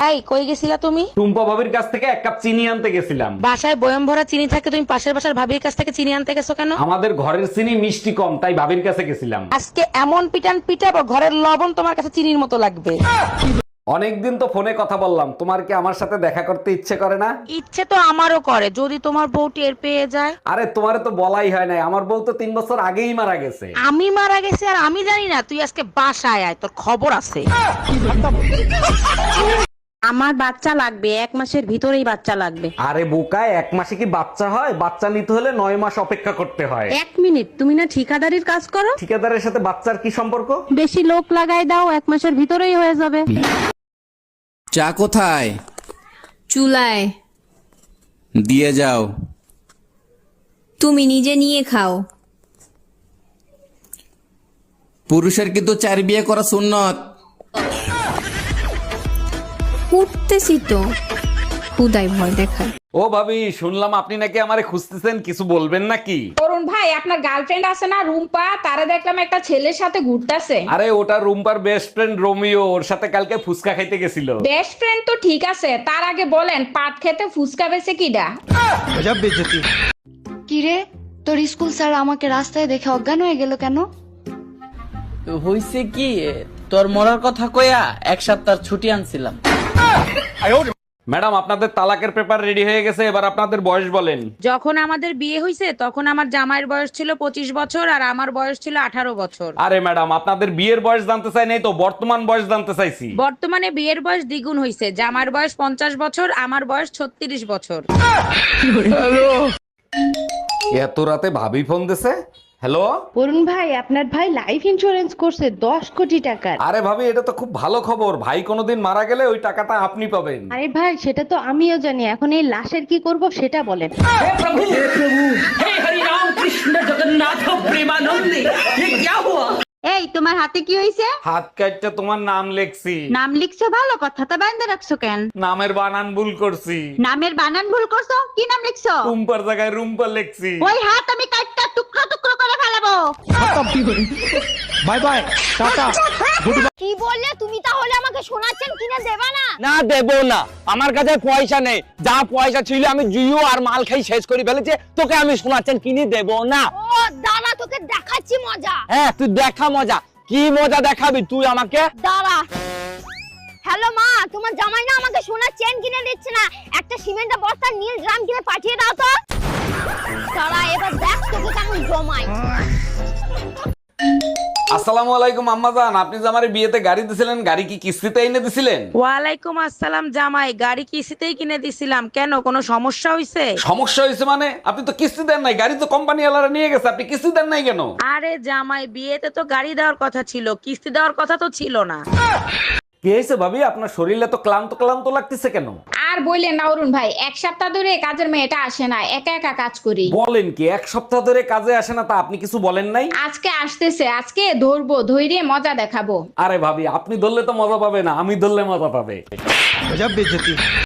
এই কই গেছিলা তুমি? টুম্পা ভাবির কাছ থেকে 1 কাপ চিনি আনতে গেছিলাম। বাসায় বয়ম ভরা চিনি থাকে, তুমি পাশের বাসার ভাবির কাছ থেকে চিনি আনতে গেছো কেন? আমাদের ঘরের চিনি মিষ্টি কম, তাই ভাবির কাছে গেছিলাম। আজকে এমন পিটান পিটাবো ঘরের লবণ তোমার কাছে চিনির মতো লাগবে। অনেকদিন তো ফোনে কথা বললাম, তোমার কি আমার সাথে দেখা করতে ইচ্ছে করে না? ইচ্ছে তো আমারও করে, যদি তোমার বউ টের পেয়ে যায়। আরে তোমারে তো বলাই হয় নাই, আমার বউ তো 3 বছর আগেই মারা গেছে। আমি মারা গেছি আর আমি জানি না? তুই আজকে বাসায় আয়, তোর খবর আছে। আমার বাচ্চা লাগবে, 1 মাসের ভিতরেই বাচ্চা লাগবে। আরে বোকায়, 1 মাসে কি বাচ্চা হয়? বাচ্চা নিতে হলে 9 মাস অপেক্ষা করতে হয়। 1 মিনিট, তুমি না ঠিকাদারির কাজ করো? ঠিকাদারের সাথে বাচ্চার কি সম্পর্ক? বেশি লোক লাগাই দাও, 1 মাসের ভিতরেই হয়ে যাবে। চা কোথায়? চুলায়। দিয়ে যাও। তুমি নিজে নিয়ে খাও। পুরুষের কিন্তু 4 বিয়ে করা সুন্নত। উঠতেছি তো, খুদাই ভয় দেখায়। ও ভাবি, শুনলাম আপনি নাকি আমারে খুঁজতেছেন, কিছু বলবেন নাকি? অরুণ ভাই, আপনার গার্লফ্রেন্ড আছে না রুম্পা, তারা দেখলাম একটা ছেলের সাথে ঘুরতাছে। আরে ওটা রুম্পার বেস্ট ফ্রেন্ড রোমিও, ওর সাথে কালকে ফুচকা খাইতে গেছিল। বেস্ট ফ্রেন্ড তো ঠিক আছে, তার আগে বলেন পাট খেতে ফুসকা বেছে কিডা? কিরে, তোর স্কুল স্যার আমাকে রাস্তায় দেখে অজ্ঞান হয়ে গেল কেন? হইছে কি, তোর মরার কথা কইয়া 1 সপ্তাহ ছুটি আনছিলাম। ম্যাডাম, আপনাদের তালাকের পেপার রেডি হয়ে গেছে, এবার আপনাদের বয়স বলেন। যখন আমাদের বিয়ে হয়েছে তখন আমার জামাইয়ের বয়স ছিল 25 বছর আর আমার বয়স ছিল 18 বছর। আরে ম্যাডাম, আপনাদের বিয়ের বয়স জানতে চাই নাই তো, বর্তমান বয়স জানতে চাইছি। বর্তমানে বিয়ের বয়স দ্বিগুণ হয়েছে, জামার বয়স 50 বছর, আমার বয়স 36 বছর। এত রাতে ভাবি ফোন দিছে। হ্যালো। অরুণ ভাই, আপনার ভাই লাইফ ইন্স্যুরেন্স করছে 10 কোটি টাকার। আরে ভাবি, এটা তো খুব ভালো খবর। ভাই কোনোদিন মারা গেলে ওই টাকাটা আপনি পাবেন। আরে ভাই, সেটা তো আমিও জানি, এখন এই লাশের কি করব সেটা বলেন। এই, তোমার হাতে কি হয়েছে? হাত কাটটা তোমার নাম লেখছি। নাম লিখছো ভালো কথা, তা বাইন্ধে রাখছো কেন? নামের বানান ভুল করছি। নামের বানান ভুল করছো? কি নাম লিখছো? রুম্পার জায়গায় রুম্পা লেখছি। ওই হাত আমি কাটটা টুকরো টুকরো করে ফেলাবো। Bye bye, tata. কি বললে তুমি? তাহলে আমাকে শোনাচ্ছেন কিনা দেবা না? না, দেব না, আমার কাছে পয়সা নেই। যা পয়সা ছিল আমি জুয়ো আর মাল খাই শেষ করে ফেলেছে, তোকে আমি শোনাচ্ছেন কিনে দেব না। ও দাঁড়া, তোকে দেখাচ্ছি মজা। হ্যাঁ, তুই দেখা মজা। কি মজা দেখাবি তুই আমাকে? দাঁড়া। হ্যালো মা, তোমার জামাই না আমাকে সোনার চেন কিনে দিচ্ছে না, একটা সিমেন্টের বস্তা নীল ড্রাম কিনে পাঠিয়ে দাও তো। দাঁড়া, এবার দেখ তোকে কেমন জমাই। আসসালামু আলাইকুম আম্মাজান, আপনি যে আমার বিয়েতে গাড়ি দিছিলেন, গাড়ি কি কিস্তিতে এনে দিছিলেন? ওয়ালাইকুম আসসালাম জামাই, গাড়ি কিস্তিতেই কিনে দিছিলাম। কেন, কোনো সমস্যা হয়েছে? সমস্যা হয়েছে মানে? আপনি তো কিস্তি দেন নাই, গাড়ি তো কোম্পানি ওয়ালারা নিয়ে গেছে, আপনি কিস্তি দেন নাই কেন? আরে জামাই, বিয়েতে তো গাড়ি দেওয়ার কথা ছিল, কিস্তি দেওয়ার কথা তো ছিল না। কি হয়েছে ভাবি, আপনার শরীরে তো ক্লান্ত ক্লান্ত লাগতেছে কেন? আর বললেন না অরুণ ভাই, 1 সপ্তাহ ধরে কাজের মেয়েটা আসে না, একা একা কাজ করি। বলেন কি, 1 সপ্তাহ ধরে কাজে আসে না? তা আপনি কিছু বলেন নাই? আজকে আসতেছে, আজকে ধরবো, ধৈর্য মজা দেখাবো। আরে ভাবি, আপনি ধরলে তো মজা পাবে না, আমি ধরলে মজা পাবে।